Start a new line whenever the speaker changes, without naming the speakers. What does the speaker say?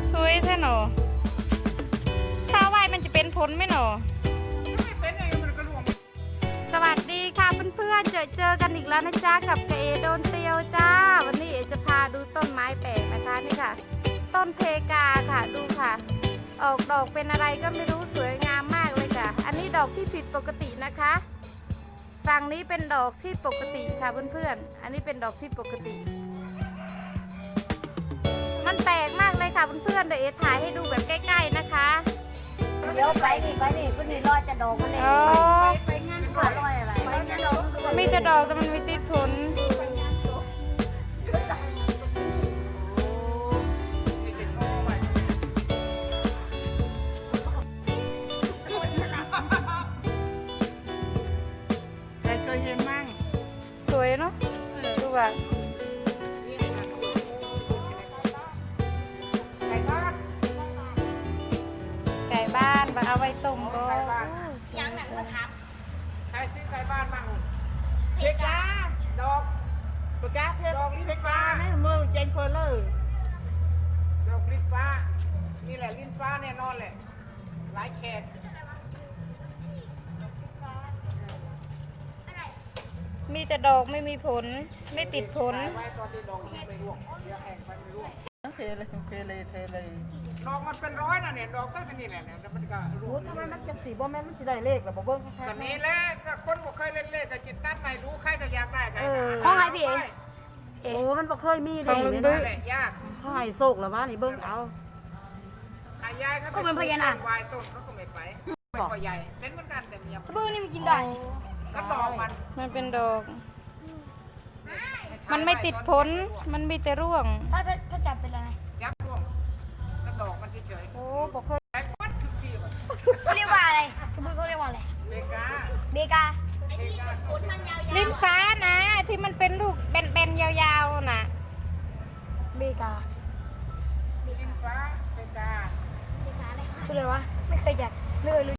สวยแท้หนอถ้าไหวมันจะเป็นผลไหมหนอ
ไม่เป็นไงมันก็รวม
สวัสดีค่ะเพื่อนๆเจอกันอีกแล้วนะจ๊ะกับเอโดนเตียวจ้าวันนี้เอจะพาดูต้นไม้แปลกนะคะนี่ค่ะต้นเพกาค่ะดูค่ะออกดอกเป็นอะไรก็ไม่รู้สวยงามมากเลยค่ะอันนี้ดอกที่ผิดปกตินะคะฝั่งนี้เป็นดอกที่ปกติค่ะเพื่อนๆอันนี้เป็นดอกที่ปกติมันแปลกมากเลยค่ะเพื่อนๆเดี๋ยวเอถ่ายให้ดูแบบใกล้ๆนะคะ
เดี๋ยวไปนี่คุณนี่รอจะดอกมันเลยไปงานก่อนรอยอะไรไปจะดอก
มีจะดอกแต่มันไม่ติดผล
ใครเคยเห็นมั่ง
สวยเนาะดูว่า
ไก่ทอด
ไก่บ้านมาเอาไว้ต้มก็
ยังหนังมาทับ
ใครซื้อไก่บ้านมั่ง
เพกา
ดอก
เพกาเพ
ดอกลิ้น
กา
ฟ้า
เนี่ยมือเจนเพลเลอร์
ดอกลิ้นฟ้านี่แหละลิ้นฟ้าแน่นอนแหละหลายแขก
มีแต่ดอกไม่มีผลไม่ติดผล
ไว้ตอนที่ดอกมันไม่ร่วงเดี๋ยวแห้งไปไม่ร่วง
เทเลย
ดอกมันเป็นร้อยนะเนี่ยดอกก็นี่แหละเนี่ยมันก็ร่
โอ้
วง
ทำไมมันจังสีบ่แม่นมันสิได้เลขหรอบ่เบิ่งค่ะ
ก็นี่แหละก็คนบ่เคยเล่นเลขกับจิตตั้นไม่รู้ใครก็อยากได้กัน
ของใครพี่เอ๋
โอ้มันบ่เคยมี
ข
เล
อง
ย
ลุง
เนี่ย
บึ้
นั่นแหละยาก
เขาให้โศกหรอวะนี่เบิ่งเอา
ยายเขาเป็นพญานาควายต้นเขาก็ไม่ไปไม่ค่อยใหญ่เป็นเหมือนกันแต่ยัง
บึ้งนี่มันกินได้
ก็ดอกมัน
มันเป็นดอก มันไม่ติดผลมันมีแต่ร่วง
ถ้าจับเป็นอะไรไหม
ยับร่วงก็ดอกมันเฉย
โอ้บอกเคย
ๆไอ้ปัดทุกทีแบบ
เขาเรียกว่าอะไรกระบือเขาเรียกว่าอะไร
เบกา
เบกา
เบกา
ลิ้นฟ้านะที่มันเป็นลูกเป็นๆยาวๆน่ะ
เบกา
ลิ้นฟ้าเบกา
คืออะไรวะ ไม่เคยจับไม่เคยรู้